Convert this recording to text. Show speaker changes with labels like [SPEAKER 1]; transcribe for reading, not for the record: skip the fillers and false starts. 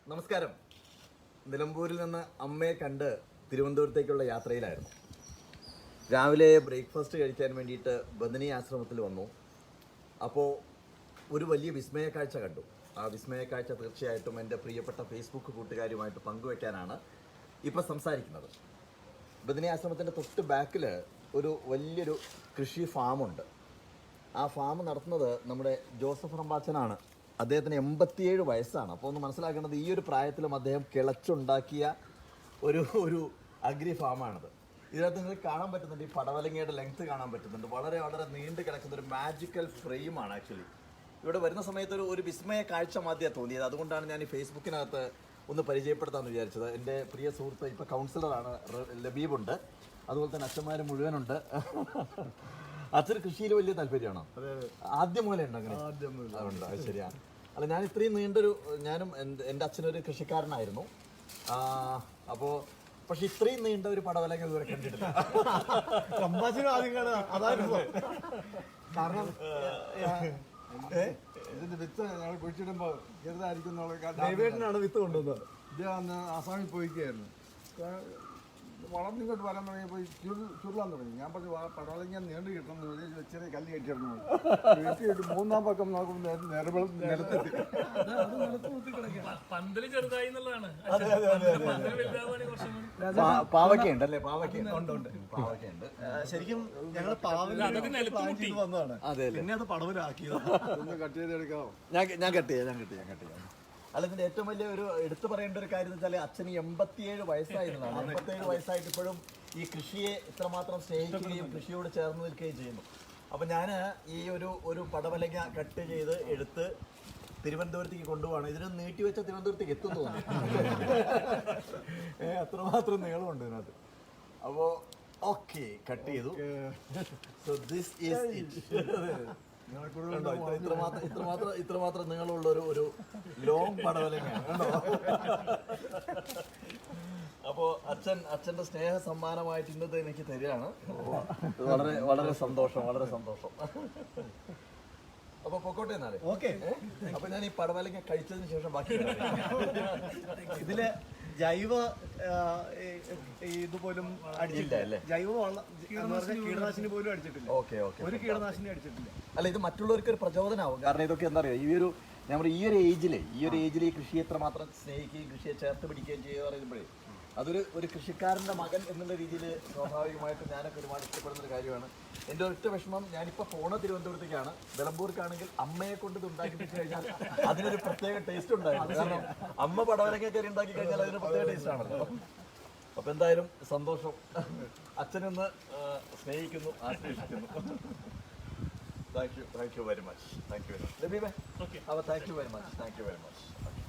[SPEAKER 1] നമസ്കാരം. നിലമ്പൂരിൽ നിന്ന് അമ്മയെ കണ്ട് തിരുവനന്തപുരത്തേക്കുള്ള യാത്രയിലായിരുന്നു. രാവിലെ ബ്രേക്ക്ഫാസ്റ്റ് കഴിക്കാൻ വേണ്ടിയിട്ട് ബദനി ആശ്രമത്തിൽ വന്നു. അപ്പോൾ ഒരു വലിയ വിസ്മയ കാഴ്ച കണ്ടു. ആ വിസ്മയ കാഴ്ച തീർച്ചയായിട്ടും എൻ്റെ പ്രിയപ്പെട്ട ഫേസ്ബുക്ക് കൂട്ടുകാരുമായിട്ട് പങ്കുവെക്കാനാണ് ഇപ്പോൾ സംസാരിക്കുന്നത്. ബദനി ആശ്രമത്തിൻ്റെ തൊട്ട് ബാക്കിൽ ഒരു വലിയൊരു കൃഷി ഫാമുണ്ട്. ആ ഫാം നടത്തുന്നത് നമ്മുടെ ജോസഫ് റമ്പാച്ചനാണ്. അദ്ദേഹത്തിന് 87 വയസ്സാണ്. അപ്പോൾ ഒന്ന് മനസ്സിലാക്കേണ്ടത്, ഈ ഒരു പ്രായത്തിലും അദ്ദേഹം കിളച്ചുണ്ടാക്കിയ ഒരു അഗ്രി ഫാമാണിത്. ഇതിനകത്ത് നിങ്ങൾക്ക് കാണാൻ പറ്റുന്നുണ്ട്, ഈ പടവലങ്ങയുടെ ലെങ്ത് കാണാൻ പറ്റുന്നുണ്ട്. വളരെ വളരെ നീണ്ടു കിടക്കുന്ന ഒരു മാജിക്കൽ ഫ്രെയിമാണ് ആക്ച്വലി. ഇവിടെ വരുന്ന സമയത്ത് ഒരു വിസ്മയ കാഴ്ച മാതിരിയാണ് തോന്നിയത്. അതുകൊണ്ടാണ് ഞാൻ ഈ ഫേസ്ബുക്കിനകത്ത് ഒന്ന് പരിചയപ്പെടുത്താമെന്ന് വിചാരിച്ചത്. എൻ്റെ പ്രിയ സുഹൃത്ത് ഇപ്പോൾ കൗൺസിലറാണ്, ലബീബുണ്ട്. അതുപോലെ തന്നെ അച്ഛന്മാർ മുഴുവനുണ്ട്. അച്ഛന് കൃഷിയിൽ വലിയ താല്പര്യമാണോ? ആദ്യം മുതലേ ഉണ്ട് അങ്ങനെ? ഉണ്ട്, അത് ശരിയാണ്. അല്ല, ഞാൻ ഇത്രയും ഞാനും എൻ്റെ അച്ഛനൊരു കൃഷിക്കാരനായിരുന്നു. അപ്പോൾ പക്ഷെ ഇത്രയും നീണ്ട ഒരു പടവലങ്ങ ഇതുവരെ കണ്ടിട്ടില്ല.
[SPEAKER 2] കാരണം ഇതിന്റെ വിത്ത് ഞങ്ങൾ കുഴിച്ചിടുമ്പോൾ ചെറുതായിരിക്കും.
[SPEAKER 1] വിത്ത് കൊണ്ടുവന്നത്.
[SPEAKER 2] ഇത് അന്ന് ആസാമിൽ പോയിക്കായിരുന്നു. വളർന്നിങ്ങോട്ട് വരാൻ തുടങ്ങിയപ്പോൾ ചുരുളാൻ തുടങ്ങി. ഞാൻ പറഞ്ഞു പടവലങ്ങ നീണ്ടു കിട്ടണം എന്ന് പറഞ്ഞ് ചെറിയ കല്ല് കെട്ടിയിരുന്നു. കെട്ടിയിട്ട് മൂന്നാം പക്കം നോക്കുമ്പോൾ നിലത്തെത്തി.
[SPEAKER 1] പാവയ്ക്കുണ്ട് അല്ലേ? പാവയ്ക്കുണ്ട്.
[SPEAKER 3] ശരിക്കും ഞങ്ങൾ വന്നതാണ്. പിന്നെ അത് പടവലാക്കിയത്.
[SPEAKER 2] ഒന്ന് കട്ട് ചെയ്തെടുക്കാമോ?
[SPEAKER 1] ഞാൻ കട്ട് ചെയ്യാം. അല്ല, ഇതിന്റെ ഏറ്റവും വലിയ ഒരു എടുത്തു പറയേണ്ട ഒരു കാര്യം എന്ന് വെച്ചാൽ അച്ഛന് 87 വയസ്സായിരുന്നതാണ്. 87 വയസ്സായിട്ട് ഇപ്പോഴും ഈ കൃഷിയെ ഇത്രമാത്രം സ്നേഹിക്കുകയും കൃഷിയോട് ചേർന്ന് നിൽക്കുകയും ചെയ്യുന്നു. അപ്പം ഞാൻ ഈ ഒരു പടവലങ്ങ കട്ട് ചെയ്ത് എടുത്ത് തിരുവനന്തപുരത്തേക്ക് കൊണ്ടുപോകണം. ഇതിന് നീട്ടിവെച്ച തിരുവനന്തപുരത്തേക്ക് എത്തുന്നു തോന്നുന്നു. അത്രമാത്രം നീളമുണ്ട് ഇതിനകത്ത്. അപ്പോൾ ഓക്കെ, കട്ട് ചെയ്തു. So this is it. ഇത്രമാത്രം നീളമുള്ള ഒരു ലോങ് പടവലങ്ങയാണ് കേട്ടോ. അപ്പോൾ അച്ഛൻ്റെ സ്നേഹ സമ്മാനമായിട്ട് ഇന്നത്തെ എനിക്ക് തരികയാണ്. വളരെ വളരെ സന്തോഷം. അപ്പൊ പൊക്കോട്ടെ എന്നാലേ.
[SPEAKER 3] ഓക്കെ.
[SPEAKER 1] അപ്പൊ ഞാൻ ഈ പടവലങ്ങ കഴിച്ചതിന് ശേഷം ബാക്കി
[SPEAKER 3] ഇതില് ജൈവ ഇതുപോലും അടിച്ചില്ല അല്ലേ? ജൈവ കീടനാശിനി പോലും അടിച്ചിട്ടില്ല.
[SPEAKER 1] ഓക്കെ.
[SPEAKER 3] ഒരു കീടനാശിനി അടിച്ചിട്ടില്ല.
[SPEAKER 1] അല്ല, ഇത് മറ്റുള്ളവർക്ക് ഒരു പ്രചോദനമാവും. കാരണം ഇതൊക്കെ എന്താ പറയുക, ഈ ഒരു ഏജിൽ ഈ കൃഷിയെ എത്രമാത്രം സ്നേഹിക്കുകയും കൃഷിയെ ചേർത്ത് പിടിക്കുകയും ചെയ്യുക പറയുമ്പോഴേ ഒരു കൃഷിക്കാരൻ്റെ മകൻ എന്നുള്ള രീതിയിൽ സ്വാഭാവികമായിട്ടും ഞാനൊക്കെ ഒരുപാട് ഇഷ്ടപ്പെടുന്നൊരു കാര്യമാണ്. എൻ്റെ ഒറ്റ വിഷമം, ഞാനിപ്പോൾ പോണ തിരുവനന്തപുരത്തേക്കാണ്. നിലമ്പൂർക്കാണെങ്കിൽ അമ്മയെ കൊണ്ട് ഇത് ഉണ്ടാക്കി വെച്ച് കഴിഞ്ഞാൽ അതിനൊരു പ്രത്യേക ടേസ്റ്റ് ഉണ്ടായിരുന്നു. കാരണം അമ്മ പടവലങ്ങ കയറി ഉണ്ടാക്കി കഴിഞ്ഞാൽ അതിന് പ്രത്യേക ടേസ്റ്റ് ആണല്ലോ. അപ്പോൾ എന്തായാലും സന്തോഷം. അച്ഛനൊന്ന് സ്നേഹിക്കുന്നു, ആശ്ലേഷിക്കുന്നു. Thank you very much. ലബീബേ, അപ്പോൾ താങ്ക് യു വെരി മച്ച്.